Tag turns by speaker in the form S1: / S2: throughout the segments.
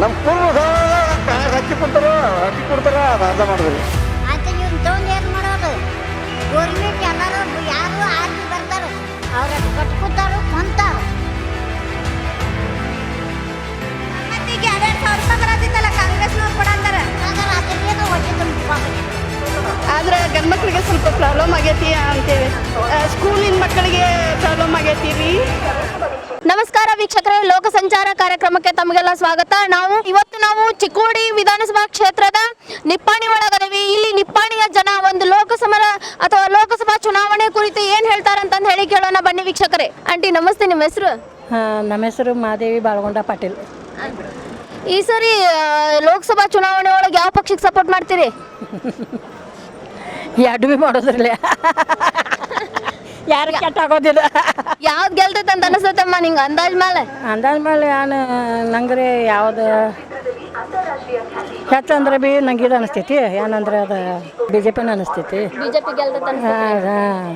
S1: ನಮ್ಮ ಪೂರ್ವ ಹಕ್ಕಿ ಕೊಡ್ತಾರ ಅದು ಅರ್ಧ ಮಾಡಿದ್ರಿ.
S2: ಆತ ನೀವು ತಗೊಂಡು ಏನು ಮಾಡೋದು? ಗೋರ್ಮೆಂಟ್ ಎಲ್ಲರೂ ಯಾರು ಆರ್ಮಿ ಬರ್ತಾರೆ, ಅವ್ರ ಕಟ್ಕೊತಾರು ಕೊಂತಾರು.
S3: ಮತ್ತೀಗ 2,000 ರೂಪಾಯಿ ಬರತ್ತಿತ್ತಲ್ಲ, ಕಾಂಗ್ರೆಸ್ನವ್ರು ಕೊಡಂತಾರ.
S2: ಅದನ್ನೇನು ಹೊಟ್ಟೆ
S4: ಆದ್ರೆ ಗಂಡು ಮಕ್ಕಳಿಗೆ ಸ್ವಲ್ಪ ಪ್ರಾಬ್ಲಮ್ ಆಗೈತಿ ಅಂತೇಳಿ, ಸ್ಕೂಲಿನ ಮಕ್ಕಳಿಗೆ ಪ್ರಾಬ್ಲಮ್ ಆಗೈತಿ ರೀ.
S3: ನಮಸ್ಕಾರ ವೀಕ್ಷಕರೇ, ಲೋಕ ಸಂಚಾರ ಕಾರ್ಯಕ್ರಮಕ್ಕೆ ತಮಗೆಲ್ಲ ಸ್ವಾಗತ. ಇವತ್ತು ನಾವು ಚಿಕ್ಕೋಡಿ ವಿಧಾನಸಭಾ ಕ್ಷೇತ್ರದ ನಿಪ್ಪಾಣಿ ಒಳಗದೇವಿ. ಇಲ್ಲಿ ನಿಪ್ಪಾಣಿಯ ಜನ ಒಂದು ಲೋಕಸಭಾ ಚುನಾವಣೆ ಕುರಿತು ಏನ್ ಹೇಳ್ತಾರಂತಂದು ಹೇಳಿ ಕೇಳೋಣ ಬನ್ನಿ ವೀಕ್ಷಕರೇ. ಆಂಟಿ ನಮಸ್ತೆ, ನಿಮ್ಮ ಹೆಸರು?
S4: ನಮ್ಮ ಹೆಸರು ಮಾದೇವಿ ಬಾಳಗೊಂಡ ಪಾಟೀಲ್.
S3: ಈ ಸರಿ ಲೋಕಸಭಾ ಚುನಾವಣೆ ಒಳಗೆ ಯಾವ ಪಕ್ಷಕ್ಕೆ ಸಪೋರ್ಟ್ ಮಾಡ್ತೀರಿ?
S4: ಎರಡು ಭೀ ಮಾಡೋದ್ರಲ್ಲ, ಯಾರು ಕೆಟ್ಟ ಆಗೋದಿಲ್ಲ.
S3: ಯಾವ್ದು ಗೆಲ್ತೈತೆ ಅಂತ ಅನಿಸ್ತೈತಮ್ಮ ನಿಂಗೆ ಅಂದಾಜ್ ಮೇಲೆ?
S4: ನಾನು ನಂಗ್ರೆ ಯಾವ್ದು ಹೆಚ್ಚಂದ್ರೆ ಭೀ ನಂಗೆ ಇದು ಅನಿಸ್ತೈತಿ, ಏನಂದ್ರೆ ಅದು BJP ಅನಿಸ್ತೈತಿ.
S3: ಬಿಜೆಪಿ ಗೆಲ್ತೈತೆ
S4: ಹಾಂ,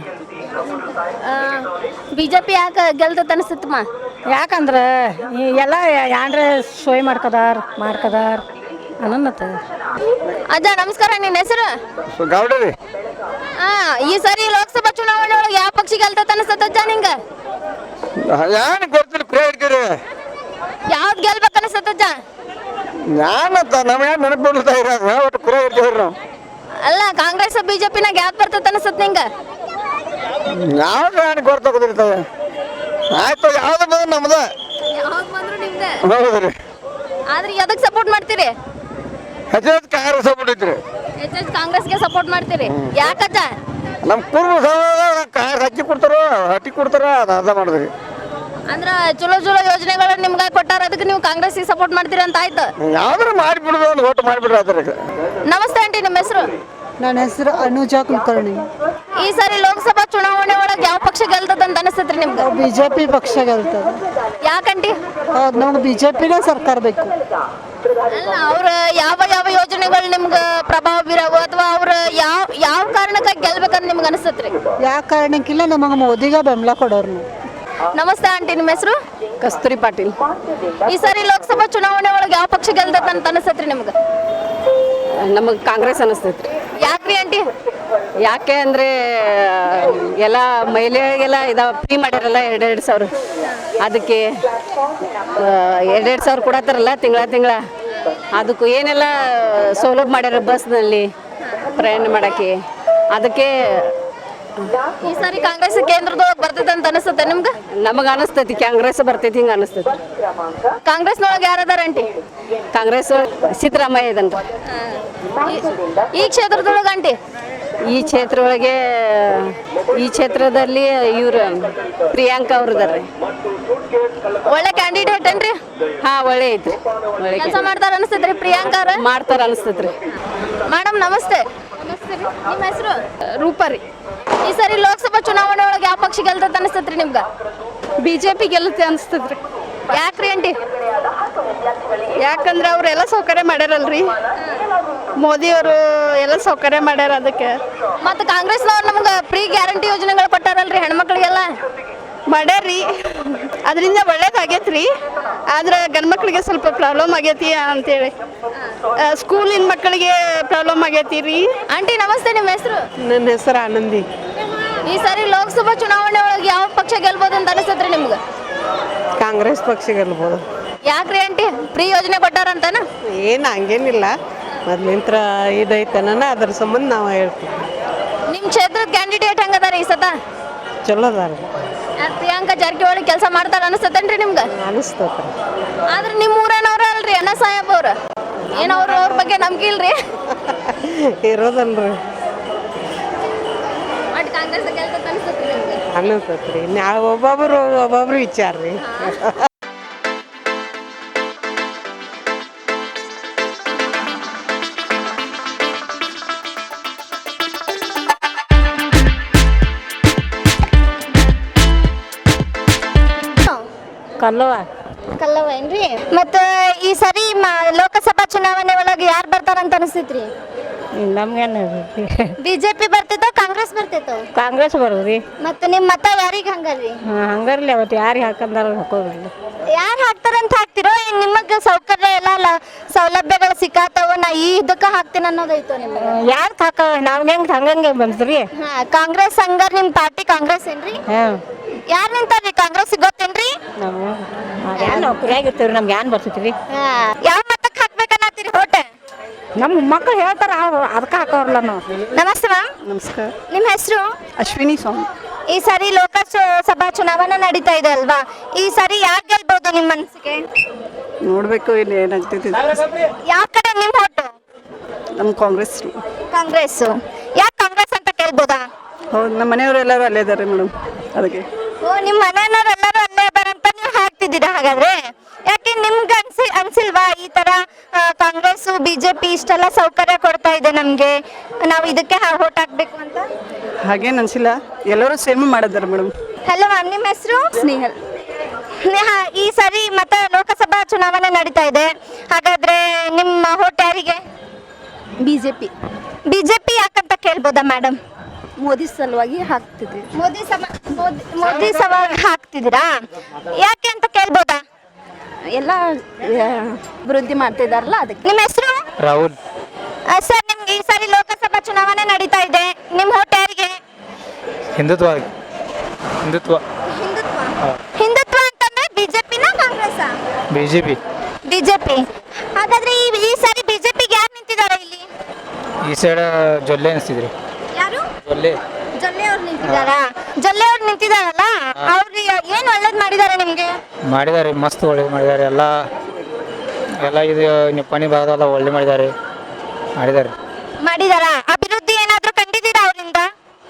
S3: ಬಿಜೆಪಿ ಯಾಕೆ ಗೆಲ್ತೈತೆ ಅನಿಸ್ತೈತಮ್ಮ?
S4: ಯಾಕಂದ್ರೆ ಎಲ್ಲ ಏನ್ರೆ ಸೋಯ್ ಮಾಡ್ಕದಾರ ಅನ್ನತ್ತ.
S3: ಅಜ್ಜ ನಮಸ್ಕಾರ, ನಿನ್ನ ಹೆಸರು?
S1: ಗೌಡ್ರಿ
S3: ಈ ಸರಿ ಲೋಕಸಭಾ ಚುನಾವಣೆ ಒಳಗೆ ಯಾವ ಪಕ್ಷ ಗೆಲ್ತೈತೆ ಅನಿಸ್ತೈತೆ ಅಜ್ಜ ನಿಂಗೆ?
S1: ಏನು ಗೊತ್ತಿಲ್ಲ, ಪ್ರೇ ಹಿಡ್ತೀರಿ
S3: ಯಾವ್ದು ಗೆಲ್ಬೇಕು ಅನಿಸ್ತೈತೆ ಅಜ್ಜ?
S1: ನಾನಂತ ನಮ್ಗೆ ನೆನಪು ಬಿಡ್ತಾ ಇರೋದು ಒಟ್ಟು ಪ್ರೇ ಹಿಡ್ತೀವ್ರಿ ನಾವು.
S3: ಅಲ್ಲ, ಕಾಂಗ್ರೆಸ್ ಬಿಜೆಪಿನಾಗ ಯಾವ್ದು ಬರ್ತೈತೆ ಅನಿಸ್ತೈತೆ ನಿಂಗೆ?
S1: ಯಾವ್ದು ಏನು ಗೊತ್ತಾಗೋದಿರ್ತವೆ. ಆಯ್ತು, ಯಾವ್ದು ಬಂದ್ರೆ ನಮ್ದ
S3: ಯಾವ್ದು ಬಂದ್ರು ನಿಮ್ದೆ.
S1: ಹೌದ್ರಿ.
S3: ಆದ್ರೆ ಎದಕ್ಕೆ ಸಪೋರ್ಟ್ ಮಾಡ್ತೀರಿ?
S1: ಹೆಚ್ಚು ಕಾಂಗ್ರೆಸ್ ಬಿಟ್ಟಿದ್ರಿ.
S3: ಹೆಚ್ಚೆಚ್ಚು ಕಾಂಗ್ರೆಸ್ಗೆ ಸಪೋರ್ಟ್ ಮಾಡ್ತೀರಿ. ಯಾಕಜ್ಜ?
S1: ನಮ್ಮ ಪೂರ್ವ ಹಕ್ಕಿ ಕೊಡ್ತಾರ ಅದು ಅರ್ಧ ಮಾಡಿದ್ರಿ.
S3: ಅಂದ್ರ ಚಲೋ ಯೋಜನೆಗಳು ನಿಮ್ಗೆ ಕೊಟ್ಟಾರ, ಅದಕ್ಕೆ ನೀವು ಕಾಂಗ್ರೆಸ್ಗೆ ಸಪೋರ್ಟ್ ಮಾಡ್ತೀರಿ ಅಂತ ಆಯ್ತು.
S1: ಯಾವ್ದಾರು ಮಾಡಿಬಿಡುದು, ಒಂದು ಓಟ್ ಮಾಡಿಬಿಡ್ರಿ ಅದ್ರಾಗ.
S3: ನಮಸ್ತೆ ಆಂಟಿ, ನಿಮ್ಮ ಹೆಸರು?
S4: ನನ್ನ ಹೆಸರು ಅನುಜಾ ಕುಲಕರ್ಣಿ.
S3: ಈ ಸಾರಿ ಲೋಕಸಭಾ ಚುನಾವಣೆ ಒಳಗೆ ಯಾವ ಪಕ್ಷ ಗೆಲ್ತದ ಅಂತ ಅನಿಸ್ತೈತ್ರಿ ನಿಮ್ಗೆ?
S4: BJP ಪಕ್ಷ ಗೆಲ್ತದೆ.
S3: ಯಾಕಂಟಿ?
S4: ನಮ್ಗೆ BJPನೇ ಸರ್ಕಾರ ಬೇಕು.
S3: ಅಲ್ಲ, ಅವ್ರ ಯಾವ ಯೋಜನೆಗಳು ನಿಮ್ಗೆ ಪ್ರಭಾವ ಬೀರವು, ಅಥವಾ ಅವ್ರ ಯಾವ ಕಾರಣಕ್ಕಾಗಿ ಗೆಲ್ಬೇಕಂತ ನಿಮ್ಗೆ ಅನಿಸ್ತತ್ರಿ?
S4: ಯಾವ ಕಾರಣಕ್ಕಿಲ್ಲ, ನಮಗೆ ಮೋದಿಗೆ ಬೆಂಬಲ ಕೊಡೋರು.
S3: ನಮಸ್ತೆ ಆಂಟಿ, ನಿಮ್ಮ ಹೆಸರು?
S4: ಕಸ್ತೂರಿ ಪಾಟೀಲ್.
S3: ಈ ಸಾರಿ ಲೋಕಸಭಾ ಚುನಾವಣೆ ಒಳಗೆ ಯಾವ ಪಕ್ಷ ಗೆಲ್ತದ ಅಂತ ಅನಿಸ್ತತ್ರಿ ನಿಮ್ಗೆ?
S4: ನಮಗೆ ಕಾಂಗ್ರೆಸ್ ಅನಿಸ್ತೈತ್ರಿ.
S3: ಯಾಕ್ರಿ ಆಂಟಿ?
S4: ಯಾಕೆ ಅಂದರೆ ಎಲ್ಲ ಮಹಿಳೆಗೆಲ್ಲ ಫ್ರೀ ಮಾಡ್ಯಾರಲ್ಲ 2,2 ಸಾವಿರ. ಅದಕ್ಕೆ 2,2 ಸಾವಿರ ಕೊಡತ್ತಾರಲ್ಲ ತಿಂಗಳ. ಅದಕ್ಕೂ ಏನೆಲ್ಲ ಸೌಲಭ್ಯ ಮಾಡ್ಯಾರ ಬಸ್ನಲ್ಲಿ ಪ್ರಯಾಣ ಮಾಡೋಕ್ಕೆ. ಅದಕ್ಕೆ
S3: ಈ ಸಾರಿ ಕಾಂಗ್ರೆಸ್ ಕೇಂದ್ರದೊಳಗೆ ಬರ್ತೈತೆ ಅಂತ ಅನಿಸ್ತತೆ ನಿಮ್ಗೆ?
S4: ನಮಗೆ ಅನಿಸ್ತೈತಿ ಕಾಂಗ್ರೆಸ್ ಬರ್ತೈತಿ, ಹಿಂಗೆ ಅನಿಸ್ತೈತಿ.
S3: ಕಾಂಗ್ರೆಸ್ನೊಳಗೆ ಯಾರದಾರ ಆಂಟಿ?
S4: ಕಾಂಗ್ರೆಸ್ ಸಿದ್ದರಾಮಯ್ಯ ಇದನ್ರಿ.
S3: ಈ ಕ್ಷೇತ್ರದೊಳಗೆ ಆಂಟಿ?
S4: ಈ ಕ್ಷೇತ್ರದಲ್ಲಿ ಇವರು ಪ್ರಿಯಾಂಕಾ ಅವ್ರು ಇದಾರೆ.
S3: ಒಳ್ಳೆ ಕ್ಯಾಂಡಿಡೇಟ್ ಏನ್ರಿ?
S4: ಹಾಂ, ಒಳ್ಳೆ ಐತ್ರಿ. ಒಳ್ಳೆ
S3: ಕೆಲಸ ಮಾಡ್ತಾರ ಅನಿಸ್ತೈತ್ರಿ ಪ್ರಿಯಾಂಕಾ ಅವ್ರ?
S4: ಮಾಡ್ತಾರ ಅನಿಸ್ತೈತ್ರಿ.
S3: ಮೇಡಮ್ ನಮಸ್ತೆ. ನಿಮ್ಮ ಹೆಸರು?
S4: ರೂಪಾರಿ.
S3: ಈ ಸರಿ ಲೋಕಸಭಾ ಚುನಾವಣೆ ಒಳಗೆ ಯಾವ ಪಕ್ಷ ಗೆಲ್ತೈತೆ ಅನಿಸ್ತೈತ್ರಿ ನಿಮ್ಗೆ?
S4: BJP ಗೆಲ್ಲುತ್ತೆ ಅನಿಸ್ತದ್ರಿ.
S3: ಯಾಕ್ರಿ ಆಂಟಿ?
S4: ಯಾಕಂದ್ರೆ ಅವರೆಲ್ಲ ಸೌಕರ್ಯ ಮಾಡ್ಯಾರಲ್ರಿ, ಮೋದಿಯವರು ಎಲ್ಲ ಸೌಕರ್ಯ ಮಾಡ್ಯಾರ. ಅದಕ್ಕೆ
S3: ಮತ್ತು ಕಾಂಗ್ರೆಸ್ನವ್ರು ನಮ್ಗೆ ಫ್ರೀ ಗ್ಯಾರಂಟಿ ಯೋಜನೆಗಳು ಕೊಟ್ಟಾರಲ್ರಿ ಹೆಣ್ಮಕ್ಳಿಗೆಲ್ಲ?
S4: ಮಾಡ್ಯಾರ್ರಿ, ಅದರಿಂದ ಒಳ್ಳೇದಾಗೈತ್ರಿ. ಆದ್ರೆ ಗಂಡು ಮಕ್ಕಳಿಗೆ ಸ್ವಲ್ಪ ಪ್ರಾಬ್ಲಮ್ ಆಗೈತಿ ಅಂತೇಳಿ, ಸ್ಕೂಲಿನ ಮಕ್ಕಳಿಗೆ ಪ್ರಾಬ್ಲಮ್ ಆಗೈತಿ ರೀ.
S3: ಆಂಟಿ ನಮಸ್ತೆ, ನಿಮ್ಮ ಹೆಸರು?
S4: ನನ್ನ ಹೆಸರು ಆನಂದಿ.
S3: ಈ ಸಾರಿ ಲೋಕಸಭಾ ಚುನಾವಣೆ ಒಳಗೆ ಯಾವ ಪಕ್ಷ ಗೆಲ್ಬೋದು ಅಂತ ಅನಿಸ್ತೈತ್ರಿ ನಿಮ್ಗೆ?
S4: ಕಾಂಗ್ರೆಸ್ ಪಕ್ಷ ಗೆಲ್ಬೋದು.
S3: ಯಾಕ್ರಿ ಆಂಟಿ? ಫ್ರೀ ಯೋಜನೆ ಕೊಟ್ಟಾರಂತನ?
S4: ಏನು ಹಂಗೇನಿಲ್ಲ, ಮೊದ್ಲಿಂತ್ರ ಇದೈತನ ಅದ್ರ ಸಂಬಂಧ ನಾವು ಹೇಳ್ತೀವಿ.
S3: ನಿಮ್ಮ ಕ್ಷೇತ್ರದ ಕ್ಯಾಂಡಿಡೇಟ್ ಹೆಂಗದಾರ ಈ ಸತ?
S4: ಚಲೋ ಅದಾರ.
S3: ಪ್ರಿಯಾಂಕಾ ಜಾರಕಿಹೊಳಿ ಕೆಲಸ ಮಾಡ್ತಾರ ಅನಿಸ್ತತೇನ್ರಿ ನಿಮ್ಗೆ?
S4: ಅನಿಸ್ತತ್ರಿ.
S3: ಆದ್ರೆ ನಿಮ್ಮ ಊರನವ್ರ ಅಲ್ರಿ ಅಣ್ಣ ಸಾಹೇಬ್ ಅವ್ರ, ಏನು ಅವ್ರ ಬಗ್ಗೆ ನಂಬಿಕೆ ಇಲ್ರಿ?
S4: ಇರೋದಲ್ರಿ.
S3: ಬಟ್ ಕಾಂಗ್ರೆಸ್ ಗೆಲ್ತೈತೆ ಅನಿಸ್ತತ್ರಿ ನಿಮ್ಗೆ?
S4: ಅನಿಸ್ತತ್ರಿ. ನಾವು ಒಬ್ಬೊಬ್ರು ವಿಚಾರ ರೀ.
S3: ಕಲ್ಲವ ಏನ್ರಿ? ಮತ್ತು ಈ ಸರಿ ಲೋಕಸಭಾ ಚುನಾವಣೆ ಒಳಗೆ ಯಾರು ಬರ್ತಾರಂತ ಅನಿಸ್ತೈತ್ರಿ?
S4: ನಮ್ಗೇನು
S3: BJP ಬರ್ತೈತೋ ಕಾಂಗ್ರೆಸ್ ಬರ್ತೈತೋ?
S4: ಕಾಂಗ್ರೆಸ್ ಬರೋದ್ರಿ.
S3: ಮತ್ತು ನಿಮ್ಮ ಮತ ಯಾರಿಗೆ ಹಂಗಲ್ರಿ?
S4: ಹಂಗಾರ್ಲಿ ಅವತ್ತು ಯಾರಿಗೆ ಹಾಕಂದಾರ ಹಾಕೋದಿಲ್ಲ.
S3: ಯಾರು ಹಾಕ್ತಾರಂತ ಹಾಕ್ತಿರೋ? ನಿಮಗೆ ಸೌಕರ್ಯ ಎಲ್ಲ ಹಾಕ್ತೀನಿ ಅನ್ನೋದೈತೋ ನಿಮ್ಗೆ?
S2: ಯಾರು ಹಾಕ ನಾವ್ ಹೆಂಗ್ ಹಂಗಂಗೆ ಬಂದ್ರಿ.
S3: ಹಾ, ಕಾಂಗ್ರೆಸ್ ಹಂಗಾರ ನಿಮ್ ಪಾರ್ಟಿ ಕಾಂಗ್ರೆಸ್ ಏನ್ರಿ? ಯಾರ್ ನಿಂತಾರ್ರಿ ಕಾಂಗ್ರೆಸ್ ಗೊತ್ತೇನ್ರಿ?
S2: ನಾವು ಯಾರು ನೌಕರಿಯಾಗಿರ್ತೀವ್ರಿ, ನಮ್ಗೆ ಏನ್ ಬರ್ತೈತ್ರಿ.
S3: ಯಾವ ಮತಕ್ಕೆ ಹಾಕ್ಬೇಕನ್ನತ್ತೀರಿ ಓಟ್?
S2: ನಮ್ಮ ಮಕ್ಕಳು ಹೇಳ್ತಾರ ಅದಕ್ಕೆ ಹಾಕೋರ್ಲ ನಾವು.
S3: ನಮಸ್ತೆ ಮ್ಯಾಮ್.
S4: ನಮಸ್ಕಾರ.
S3: ನಿಮ್ಮ ಹೆಸರು?
S4: ಅಶ್ವಿನಿ ಸ್ವಾಮಿ.
S3: ಈ ಸಾರಿ ಲೋಕಸಭಾ ಚುನಾವಣೆ ನಡೀತಾ ಇದೆ ಅಲ್ವಾ? ಈ ಸಾರಿ ಯಾರು ಗೆಲ್ಬಹುದು ನಿಮ್ಮ ಮನಸ್ಸಿಗೆ?
S4: ನೋಡ್ಬೇಕು ಇಲ್ಲಿ ಏನಾಗ್ತೈತಿ.
S3: ಯಾವ ಕಡೆ ನಿಮ್ಮ ಓಟು?
S4: ನಮ್ಮ ಕಾಂಗ್ರೆಸ್.
S3: ಕಾಂಗ್ರೆಸ್. ಯಾಕೆ ಕಾಂಗ್ರೆಸ್ ಅಂತ ಕೇಳ್ಬೋದಾ?
S4: ಹೌದು, ನಮ್ಮ ಮನೆಯವರೆಲ್ಲರೂ ಅಲ್ಲೇ ಇದ್ದಾರೆ ಮೇಡಮ್, ಅದಕ್ಕೆ.
S3: ಓ, ನಿಮ್ಮ ಮನೆಯವರೆಲ್ಲರೂ ಅಲ್ಲೇ ಬರಂತ ನೀವು ಹಾಕ್ತಿದ್ದೀರಾ ಹಾಗಾದ್ರೆ? ಯಾಕೆ ನಿಮ್ಗೆ ಅನ್ಸಿಲ್ವಾ ಈ ತರ ಕಾಂಗ್ರೆಸ್ ಬಿಜೆಪಿ ಇಷ್ಟೆಲ್ಲ ಸೌಕರ್ಯ ಕೊಡ್ತಾ ಇದೆ ನಮ್ಗೆ, ನಾವು ಇದಕ್ಕೆ ಓಟ್ ಹಾಕ್ಬೇಕು ಅಂತ?
S4: ಹಾಗೇನು ಅನ್ಸಿಲ್ಲ, ಎಲ್ಲರೂ ಸೇಮ್ ಮಾಡಿದ್ದಾರೆ ಮೇಡಮ್.
S3: ಹಲೋ ಮ್ಯಾಮ್, ನಿಮ್ಮ ಹೆಸರು?
S4: ಸ್ನೇಹಲ್.
S3: ಈ ಸಾರಿ ಮತ್ತೆ ಲೋಕಸಭಾ ಚುನಾವಣೆ ನಡೀತಾ ಇದೆ, ಹಾಗಾದ್ರೆ ನಿಮ್ಮ ಓಟ್ ಯಾರಿಗೆ?
S4: ಬಿಜೆಪಿ.
S3: ಬಿಜೆಪಿ ಯಾಕಂತ ಕೇಳ್ಬೋದಾ ಮೇಡಮ್?
S4: ಮೋದಿ ಸಲುವಾಗಿ ಹಾಕ್ತಿದ್ವಿ.
S3: ಮೋದಿ ಸವಾಲ್ ಹಾಕ್ತಿದ್ದೀರಾ, ಯಾಕೆ ಅಂತ ಕೇಳ್ಬೋದಾ?
S4: ಎಲ್ಲ ಅಭಿವೃದ್ಧಿ ಮಾಡ್ತಿದಾರಲ್ಲ ಅದಕ್ಕೆ.
S3: ನಿಮ್ಮ ಹೆಸರು?
S1: ರಾಹುಲ್.
S3: ಸರ್, ನಿಮ್ಗೆ ಈ ಸಾರಿ ಲೋಕಸಭಾ ಚುನಾವಣೆ ನಡೀತಾ ಇದೆ, ನಿಮ್ಮ ಓಟ್ ಯಾರಿಗೆ?
S1: ಹಿಂದುತ್ವ ಹಿಂದುತ್ವ
S3: ಹಿಂದುತ್ವ ಅಂತಂದ್ರೆ ಬಿಜೆಪಿನ ಕಾಂಗ್ರೆಸ್?
S1: BJP.
S3: ಬಿಜೆಪಿ. ಹಾಗಾದ್ರೆ ಈ ಸಾರಿ ಬಿಜೆಪಿಗೆ ಯಾರು ನಿಂತಿದ್ದಾರೆ ಇಲ್ಲಿ?
S1: ಈ ಸೈಡ್ ಜೊಲ್ಲೆ ಅನಿಸ್ತಿದ್ರಿ.
S3: ಯಾರು?
S1: ಜೊಲ್ಲೆ.
S3: ಜೊಲ್ಲೆ ಅವ್ರು ನಿಂತಿದ್ದಾರಾ? ಜೊಲ್ಲೆ ಅವ್ರು ನಿಂತಿದ್ದಾರಲ್ಲ, ಅವ್ರು ಏನ್ ಒಳ್ಳೇದ್ ಮಾಡಿದ್ದಾರೆ ನಿಮ್ಗೆ?
S1: ಮಾಡಿದ್ದಾರೆ, ಮಸ್ತ್ ಒಳ್ಳೇದು ಮಾಡಿದ್ದಾರೆ. ಎಲ್ಲ ಇದು ನಿಪ್ಪಾಣಿ ಭಾಗದಲ್ಲ ಒಳ್ಳೆ ಮಾಡಿದ್ದಾರೆ.
S3: ಅಭಿವೃದ್ಧಿ ಏನಾದ್ರೂ ಕಂಡಿದ್ದೀರಾ ಅವರಿಂದ?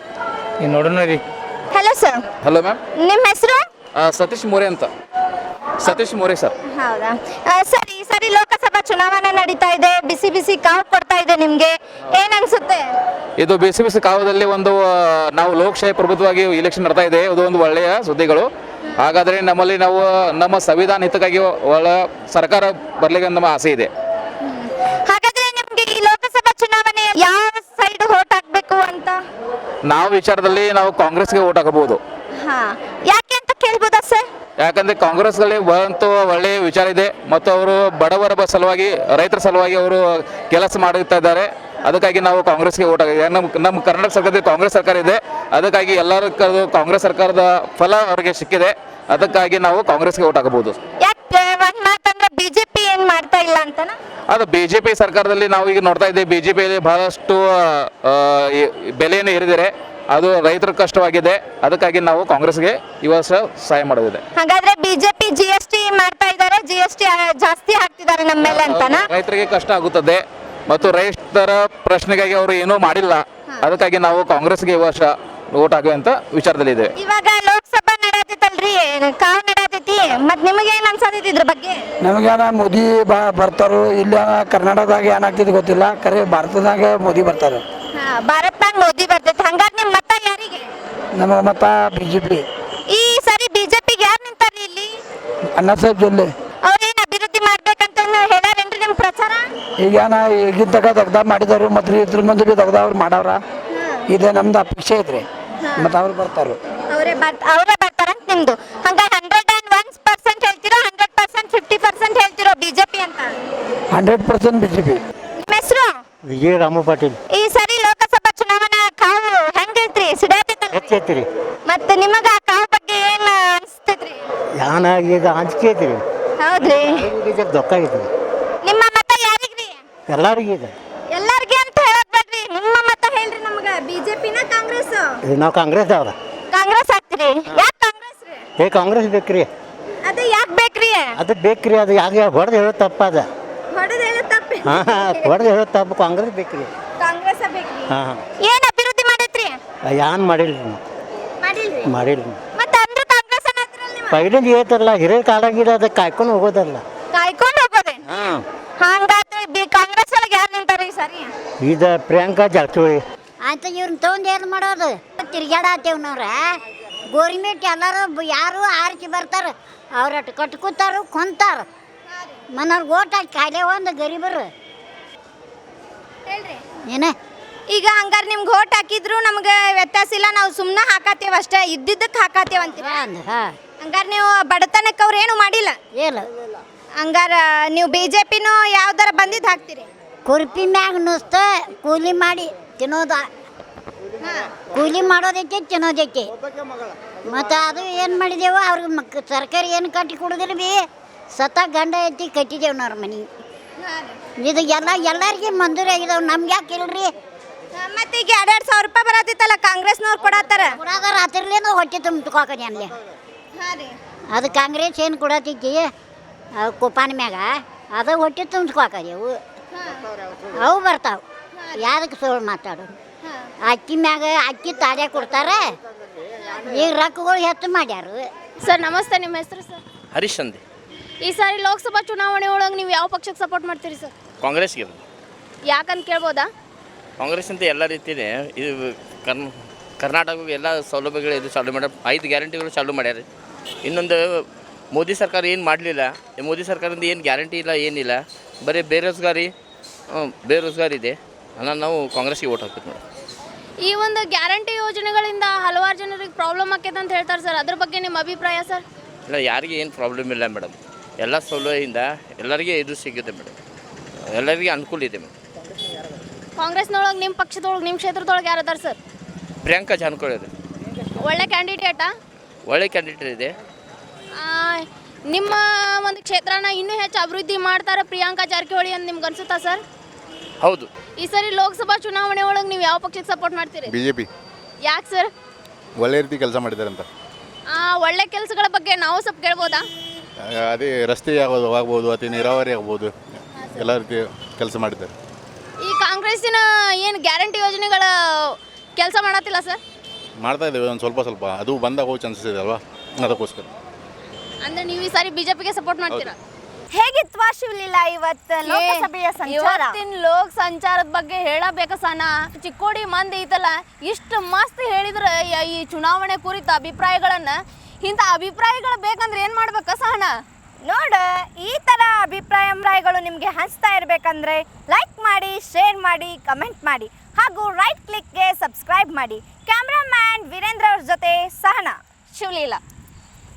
S1: ಈಗ ನೋಡೋಣ ರೀ.
S3: Hello sir.
S5: Hello ma'am.
S3: ನಿಮ್ಮ ಹೆಸರು?
S5: ಸತೀಶ್ ಮೋರೆ ಅಂತ. ಸತೀಶ್ ಮೋರೆ ಸರ್.
S3: ಹೌದಾ ಸರ್, ಈ ಸಾರಿ ಲೋಕಸಭಾ ಚುನಾವಣೆ ನಡೀತಾ ಇದೆ, ಬಿಸಿ ಬಿಸಿ ಕಾವು ಕೊಡ್ತಾ ಇದೆ ನಿಮ್ಗೆ, ಏನ್ ಅನ್ಸುತ್ತೆ?
S5: ಇದು ಬಿಸಿ ಬಿಸಿ ಕಾಲದಲ್ಲಿ ಒಂದು ನಾವು ಲೋಕಶಾಹಿ ಪ್ರಭುತ್ವವಾಗಿ ಇಲೆಕ್ಷನ್ ನಡೆತಾ ಇದೆ, ಇದು ಒಂದು ಒಳ್ಳೆಯ ಸುದ್ದಿಗಳು. ಹಾಗಾದರೆ ನಮ್ಮಲ್ಲಿ ನಾವು ನಮ್ಮ ಸಂವಿಧಾನ ಹಿತಕ್ಕಾಗಿ ಒಳ್ಳೆ ಸರ್ಕಾರ ಬರಲಿಕ್ಕೆ ನಮ್ಮ ಆಸೆ ಇದೆ.
S3: ಹಾಗಾದ್ರೆ ನಿಮ್ಗೆ ಈ ಲೋಕಸಭಾ ಚುನಾವಣೆ ಯಾವ ಸೈಡ್ ಓಟ್ ಹಾಕ್ಬೇಕು ಅಂತ?
S5: ನಾವು ವಿಚಾರದಲ್ಲಿ ನಾವು ಕಾಂಗ್ರೆಸ್ಗೆ ಓಟ್ ಹಾಕಬಹುದು.
S3: ಹಾ, ಯಾಕೆ ಅಂತ ಕೇಳ್ಬೋದಾ ಸರ್?
S5: ಯಾಕಂದರೆ ಕಾಂಗ್ರೆಸ್ಗಳಲ್ಲಿ ಅಂತೂ ಒಳ್ಳೆಯ ವಿಚಾರ ಇದೆ ಮತ್ತು ಅವರು ಬಡವರ ಸಲುವಾಗಿ, ರೈತರ ಸಲುವಾಗಿ ಅವರು ಕೆಲಸ ಮಾಡುತ್ತಾ ಇದ್ದಾರೆ. ಅದಕ್ಕಾಗಿ ನಾವು ಕಾಂಗ್ರೆಸ್ಗೆ ಓಟ್ ಹಾಕಿದ್ದೀವಿ. ನಮ್ಮ ಕರ್ನಾಟಕ ಸರ್ಕಾರದಲ್ಲಿ ಕಾಂಗ್ರೆಸ್ ಸರ್ಕಾರ ಇದೆ, ಅದಕ್ಕಾಗಿ ಎಲ್ಲರ ಕಾಂಗ್ರೆಸ್ ಸರ್ಕಾರದ ಫಲ ಅವರಿಗೆ ಸಿಕ್ಕಿದೆ. ಅದಕ್ಕಾಗಿ ನಾವು ಕಾಂಗ್ರೆಸ್ಗೆ ಓಟ್ ಹಾಕಬಹುದು.
S3: ಯಾಕೆ ಒಂದ್ ಮಾತಂದ್ರೆ ಬಿಜೆಪಿ ಏನ್ ಮಾಡ್ತಾ ಇಲ್ಲ ಅಂತನಾ?
S5: ಅದು BJP ಸರ್ಕಾರದಲ್ಲಿ ನಾವು ಈಗ ನೋಡ್ತಾ ಇದ್ದೇವೆ, BJPಯಲ್ಲಿ ಬಹಳಷ್ಟು ಬೆಲೆಯನ್ನು ಏರಿದರೆ ಅದು ರೈತರ ಕಷ್ಟವಾಗಿದೆ. ಅದಕ್ಕಾಗಿ ನಾವು ಕಾಂಗ್ರೆಸ್ಗೆ ಈ ವರ್ಷ ಸಹಾಯ ಮಾಡೋದಿದೆ.
S3: ಹಾಗಾದ್ರೆ ಬಿಜೆಪಿ GST ಮಾಡ್ತಾ ಇದ್ದಾರೆ, GST ಜಾಸ್ತಿ ಹಾಕ್ತಿದ್ದಾರೆ ನಮ್ಮ ಮೇಲೆ ಅಂತನಾ?
S5: ರೈತರಿಗೆ ಕಷ್ಟ ಆಗುತ್ತದೆ ಮತ್ತು ರೈತರ ಪ್ರಶ್ನೆಗಾಗಿ ಅವರು ಏನೂ ಮಾಡಿಲ್ಲ. ಅದಕ್ಕಾಗಿ ನಾವು ಕಾಂಗ್ರೆಸ್ಗೆ ಈ ವರ್ಷ ಓಟ್ ಹಾಕುವಂತ ವಿಚಾರದಲ್ಲಿ ಇದೆ.
S3: ಇವಾಗ ಲೋಕಸಭಾ ನಡೆಯತೈತಲ್ರಿ, ಕಾವು ನಡೆಯತೈತಿ, ಮತ್ ನಿಮಗೆ ಏನ್ ಅನ್ಸತೈತಿ ಇದ್ರ ಬಗ್ಗೆ?
S1: ನಮಗೇನ ಮೋದಿ ಬರ್ತಾರೋ ಇಲ್ಲ, ಕರ್ನಾಟಕದಾಗ ಏನಾಗ್ತಿದೆ ಗೊತ್ತಿಲ್ಲ, ಕರೆ ಭಾರತದಾಗ ಮೋದಿ ಬರ್ತಾರೆ.
S3: ಭಾರತ್ನಾಗ ಮೋದಿ ಬರ್ತೈತಿ, ಹಂಗಾರೆ ನಿಮ್ ಮತ ಯಾರಿಗೆ?
S1: ನಮ್ಮ ಮತ BJP.
S3: ಈ ಸರಿ ಬಿಜೆಪಿಗೆ ಯಾರು ನಿಂತಾರ್ರಿ ಇಲ್ಲಿ?
S1: ಅಣ್ಣ ಸಾಹೇಬ್ ಜೊಲ್ಲೆ.
S3: ಅವ್ರೇನ್ ಅಭಿವೃದ್ಧಿ ಮಾಡ್ಬೇಕಂತ ಹೇಳಾರೇನ್ರಿ ನಿಮ್ ಪ್ರಚಾರ?
S1: ಈಗೇನ ಈಗಿನ ತಗ ತೆಗ್ದ ಮಾಡಿದಾರು, ಮತ್ತು ಇದ್ರ ಮುಂದೆ ಬಿ ತೆಗ್ದ ಅವ್ರು ಮಾಡವ್ರ. ಇದೇ ನಮ್ದು ಅಪೇಕ್ಷೆ ಐತ್ರಿ, ಮತ್ತು ಅವ್ರು ಬರ್ತಾರ.
S3: ಅವರೇ ಬರ್ತಾರಂತ ನಿಮ್ದು? ಹಂಗಾರೆ 101% ಹೇಳ್ತಿರೋ 100% 50% ಹೇಳ್ತಿರೋ ಬಿಜೆಪಿ ಅಂತ?
S1: 100% BJP.
S3: ನಿಮ್ಮ ಹೆಸರು?
S6: ವಿಜಯ ರಾಮ ಪಾಟೀಲ್.
S3: ಈ ಸರಿ ಲೋಕಸಭಾ ಚುನಾವಣಾ ಕಾವು ಹೆಂಗೈತ್ರಿ?
S6: ಹೆಚ್ಚೈತ್ರಿ.
S3: ಮತ್ತೆ ನಿಮಗ ಆ ಕಾವು ಬಗ್ಗೆ ಏನ್ ಅನ್ಸ್ತೈತ್ರಿ?
S6: ಯಾನ ಈಗ ಅಂಜಿಕೆ ಐತ್ರಿ.
S3: ಹೌದ್ರಿ.
S6: ದೊಕ್ಕ ಐತ್ರಿ.
S3: ನಿಮ್ಮ ಮತ ಯಾರಿಗ್ರಿ?
S6: ಎಲ್ಲಾರಿಗೆ ಇದೆ.
S3: ಎಲ್ಲಾರ್ಗೆ ಅಂತ ಹೇಳಕ್ ಬೇಡ್ರಿ, ನಿಮ್ಮ ಮತ ಹೇಳ್ರಿ ನಮಗ. ಬಿಜೆಪಿನ ಕಾಂಗ್ರೆಸ್?
S6: ನಾವು ಕಾಂಗ್ರೆಸ್ ಅವ್ರ.
S3: ಕಾಂಗ್ರೆಸ್ ಹಾಕ್ತಿರಿ? ಯಾಕೆ ಕಾಂಗ್ರೆಸ್ ರೀ?
S6: ಕಾಂಗ್ರೆಸ್ ಬೇಕ್ರಿ.
S3: ಅದು ಯಾಕೆ ಬೇಕ್ರಿ?
S6: ಅದು ಬೇಕ್ರಿ, ಅದು ಯಾಕೆ ಹೊಡೆದು ಹೇಳೋದು ತಪ್ಪ ಅದ.
S3: ಹೊಡೆದ ಹೇಳೋ ತಪ್ಪಿ?
S6: ಹೊಡೆದು ಹೇಳೋದು ತಪ್ಪು. ಕಾಂಗ್ರೆಸ್ ಬೇಕ್ರಿ.
S3: ಕಾಂಗ್ರೆಸ್ ಬೇಕ್ರಿ.
S6: ಹಾಂ.
S3: ಏನ್ ಅಭಿವೃದ್ಧಿ ಮಾಡೈತ್ರಿ?
S6: ಯಾನ್ ಮಾಡಿಲ್ರಿ. ಮಾಡಿಲ್ರಿ.
S3: ಮತ್ತೆ ಅಂದ್ರ ಕಾಂಗ್ರೆಸ್ ಅನ್ನತ್ರಲ್ಲ ನೀವು?
S6: ಪೈಲಿಂದ ಏತಲ್ಲ, ಹಿರಿಯ ಕಾಲಾಗಿಲ್ಲ, ಅದಕ್ಕೆ ಕಾಯ್ಕೊಂಡು ಹೋಗೋದಲ್ಲ.
S3: ಕಾಯ್ಕೊಂಡು ಹೋಗೋದೆ?
S6: ಹಾಂ.
S3: ಹಂಗಾದ್ರೆ ಕಾಂಗ್ರೆಸ್ ಒಳಗೆ ಯಾರು ನಿಂತಾರ ಈ ಸಾರಿ?
S6: ಈಗ ಪ್ರಿಯಾಂಕಾ ಜಾರಕಿಹೊಳಿ.
S2: ಅಂತ ಇವ್ರನ್ನ ತೊಗೊಂಡು ಏನು ಮಾಡೋದು? ತಿರ್ಗಾಡತ್ತೇವ್ ನಾವ್ರ ಗೋರ್ಮೆಂಟ್ ಎಲ್ಲರೂ ಯಾರು ಆರ್ಕಿ ಬರ್ತಾರೆ, ಅವ್ರಟ್ಟು ಕಟ್ಕೋತಾರು ಕೊಂತಾರ. ಮನವ್ರಿಗೆ ಓಟ್ ಹಾಕಿ ಕಾಯಿಲೆ ಒಂದು ಗರೀಬರು
S3: ಹೇಳ್ರಿ
S2: ಏನ.
S3: ಈಗ ಹಂಗಾರೆ ನಿಮ್ಗೆ ಓಟ್ ಹಾಕಿದ್ರು ನಮ್ಗೆ ವ್ಯತ್ಯಾಸ ಇಲ್ಲ, ನಾವು ಸುಮ್ಮನೆ ಹಾಕಾತೇವ ಅಷ್ಟೇ, ಇದ್ದಿದ್ದಕ್ಕೆ ಹಾಕಾತೇವ ಅಂತೀರ? ಹಂಗಾರೆ ನೀವು ಬಡತನಕ್ಕೆ ಅವ್ರು ಏನು ಮಾಡಿಲ್ಲ?
S2: ಏನು
S3: ಹಂಗಾರ ನೀವು BJPನೂ ಯಾವ್ದಾರ ಬಂದಿದ್ದು ಹಾಕ್ತೀರಿ?
S2: ಕುರ್ಪಿ ಮ್ಯಾಗ ನುಸ್ತ ಕೂಲಿ ಮಾಡಿ ತಿನ್ನೋದ ಕೂಲಿ ಮಾಡೋದೈತೆ ತಿನ್ನೋದೈತೆ ಮತ್ತು ಅದು ಏನು ಮಾಡಿದೆವು ಅವ್ರಿಗೆ ಸರ್ಕಾರಿ ಏನು ಕಟ್ಟಿ ಕೊಡೋದಿಲ್ಲ ಬಿ ಸತ ಗಂಡ ಐತಿ ಕಟ್ಟಿದ್ದೇವೆ ನಾವು ಮನೆ ಇದು ಎಲ್ಲರಿಗೆ ಮಂಜೂರಿ ಆಗಿದಾವೆ ನಮ್ಗೆ ಯಾಕೆ ಇಲ್ರಿ
S3: ಮತ್ತೆ ಈಗ 2,000 ರೂಪಾಯಿ ಬರತ್ತಿತ್ತಲ್ಲ ಕಾಂಗ್ರೆಸ್ನವ್ರು ಕೊಡತ್ತಾರ
S2: ಕೊಡೋದಾರ ಹತ್ತಿರಲಿಂದ ಹೊಟ್ಟೆ ತುಂಬಿಟ್ಕೋಕನಿ ಅನ್ಲಿ ಅದು ಕಾಂಗ್ರೆಸ್ ಏನು ಕೊಡತೈತಿ ಕುಪಾನ ಮ್ಯಾಗ ಅದು ಹೊಟ್ಟೆ ತುಂಬಿಸ್ಕೋಕರಿ ಅವು ಬರ್ತಾವೆ ಯಾವ್ದಕ್ಕೆ ಸುಳ್ಳು ಮಾತಾಡೋದು ಅಕ್ಕಿ ಮ್ಯಾಗ ಅಕ್ಕಿ ತಾಡ್ಯ ಕೊಡ್ತಾರೆ ಈಗ ರೊಕ್ಕಗಳು ಹೆಚ್ಚು ಮಾಡ್ಯಾರು
S3: ಸರ್ ನಮಸ್ತೆ, ನಿಮ್ಮ ಹೆಸರು ಸರ್?
S7: ಹರೀಶ್ ಅಂದೆ.
S3: ಈ ಸಾರಿ ಲೋಕಸಭಾ ಚುನಾವಣೆ ಒಳಗೆ ನೀವು ಯಾವ ಪಕ್ಷಕ್ಕೆ ಸಪೋರ್ಟ್ ಮಾಡ್ತೀರಿ ಸರ್?
S7: ಕಾಂಗ್ರೆಸ್ಗೆ
S3: ಯಾಕಂತ ಕೇಳ್ಬೋದಾ?
S7: ಕಾಂಗ್ರೆಸ್ ಅಂತ ಎಲ್ಲ ರೀತಿಯೇ ಇದು ಕರ್ನಾಟಕಕ್ಕೆ ಎಲ್ಲ ಸೌಲಭ್ಯಗಳು ಇದು ಚಾಲೂ ಮಾಡ್ಯಾರ, 5 ಗ್ಯಾರಂಟಿಗಳು ಚಾಲೂ ಮಾಡ್ಯಾರ. ಇನ್ನೊಂದು ಮೋದಿ ಸರ್ಕಾರ ಏನು ಮಾಡಲಿಲ್ಲ, ಮೋದಿ ಸರ್ಕಾರದಿಂದ ಏನು ಗ್ಯಾರಂಟಿ ಇಲ್ಲ, ಏನಿಲ್ಲ, ಬರೀ ಬೇರೋಜ್ಗಾರಿ ಇದೆ. ನಾವು ಕಾಂಗ್ರೆಸ್ಗೆ ಓಟ್ ಹಾಕ್ತೀವಿ ಮೇಡಮ್.
S3: ಈ ಒಂದು ಗ್ಯಾರಂಟಿ ಯೋಜನೆಗಳಿಂದ ಹಲವಾರು ಜನರಿಗೆ ಪ್ರಾಬ್ಲಮ್ ಆಕೈತೆ ಅಂತ ಹೇಳ್ತಾರೆ ಸರ್, ಅದ್ರ ಬಗ್ಗೆ ನಿಮ್ಮ ಅಭಿಪ್ರಾಯ ಸರ್?
S7: ಇಲ್ಲ, ಯಾರಿಗೆ ಏನು ಪ್ರಾಬ್ಲಮ್ ಇಲ್ಲ ಮೇಡಮ್. ಎಲ್ಲ ಸೌಲಭ್ಯದಿಂದ ಎಲ್ಲರಿಗೆ ಇದು ಸಿಗುತ್ತೆ ಮೇಡಮ್, ಎಲ್ಲರಿಗೆ ಅನುಕೂಲ ಇದೆ ಮೇಡಮ್.
S3: ಕಾಂಗ್ರೆಸ್ನೊಳಗೆ ನಿಮ್ಮ ಪಕ್ಷದೊಳಗೆ ನಿಮ್ಮ ಕ್ಷೇತ್ರದೊಳಗೆ ಯಾರು ಅದಾರ ಸರ್?
S7: ಪ್ರಿಯಾಂಕಾ ಜಾರಕಿಹೊಳಿ ಇದೆ,
S3: ಒಳ್ಳೆ ಕ್ಯಾಂಡಿಡೇಟಾ?
S7: ಒಳ್ಳೆ ಕ್ಯಾಂಡಿಡೇಟ್ ಇದೆ.
S3: ನಿಮ್ಮ ಒಂದು ಕ್ಷೇತ್ರನ ಇನ್ನೂ ಹೆಚ್ಚು ಅಭಿವೃದ್ಧಿ ಮಾಡ್ತಾರೆ ಪ್ರಿಯಾಂಕಾ ಜಾರಕಿಹೊಳಿ ಅಂತ ನಿಮ್ಗೆ ಅನ್ಸುತ್ತಾ ಸರ್?
S7: ಹೌದು.
S3: ಈ ಸರಿ ಲೋಕಸಭಾ ಚುನಾವಣೆ ಒಳಗೆ ನೀವು ಯಾವ ಪಕ್ಷಕ್ಕೆ ಸಪೋರ್ಟ್ ಮಾಡ್ತೀರಿ?
S8: BJP.
S3: ಯಾಕೆ ಸರ್?
S8: ಒಳ್ಳೆ ರೀತಿ ಕೆಲಸ ಮಾಡಿದ್ದಾರೆ ಅಂತ.
S3: ಒಳ್ಳೆ ಕೆಲಸಗಳ ಬಗ್ಗೆ ನಾವು ಸ್ವಲ್ಪ ಕೇಳ್ಬೋದಾ?
S8: ಅದೇ ರಸ್ತೆ ಆಗ್ಬೋದು ಅಥವಾ ನೀರಾವರಿ ಆಗ್ಬೋದು, ಎಲ್ಲ ರೀತಿ ಕೆಲಸ ಮಾಡಿದ್ದಾರೆ.
S3: ಈ ಕಾಂಗ್ರೆಸ್ಸಿನ ಏನು ಗ್ಯಾರಂಟಿ ಯೋಜನೆಗಳ ಕೆಲಸ ಮಾಡತ್ತಿಲ್ಲ ಸರ್?
S8: ಮಾಡ್ತಾ ಇದ್ದೇವೆ ಒಂದು ಸ್ವಲ್ಪ, ಅದು ಬಂದಾಗ ಹೋಗಿ ಚಾನ್ಸಸ್ ಇದೆ ಅಲ್ವಾ, ಅದಕ್ಕೋಸ್ಕರ.
S3: ಅಂದ್ರೆ ನೀವು ಈ ಸಾರಿ ಬಿಜೆಪಿಗೆ ಸಪೋರ್ಟ್ ಮಾಡ್ತೀರಾ?
S9: ಹೇಗಿತ್ವಾ ಶಿವಲೀಲಾ ಇವತ್ತು ಲೋಕಸಭೆಯ ಸಂಚಾರ?
S3: ಇವತ್ತಿನ ಲೋಕ ಸಂಚಾರದ ಬಗ್ಗೆ ಹೇಳಬೇಕು ಸನ. ಚಿಕ್ಕೋಡಿ ಮಂದಿ ಐತಲ್ಲ ಇಷ್ಟು ಮಸ್ತ್ ಹೇಳಿದ್ರೆ ಈ ಚುನಾವಣೆ ಕುರಿತ ಅಭಿಪ್ರಾಯಗಳನ್ನ, ಇಂಥ ಅಭಿಪ್ರಾಯಗಳು ಬೇಕಂದ್ರೆ ಏನು ಮಾಡ್ಬೇಕ ಸಹನ?
S9: ನೋಡ, ಈ ಥರ ಅಭಿಪ್ರಾಯಗಳು ನಿಮಗೆ ಹಂಚ್ತಾ ಇರಬೇಕಂದ್ರೆ ಲೈಕ್ ಮಾಡಿ, ಶೇರ್ ಮಾಡಿ, ಕಮೆಂಟ್ ಮಾಡಿ ಹಾಗೂ ರೈಟ್ ಕ್ಲಿಕ್ಗೆ ಸಬ್ಸ್ಕ್ರೈಬ್ ಮಾಡಿ. ಕ್ಯಾಮ್ರಾಮ್ಯಾನ್ ವೀರೇಂದ್ರ ಅವ್ರ ಜೊತೆ ಸಹನ,
S3: ಶಿವಲೀಲಾ.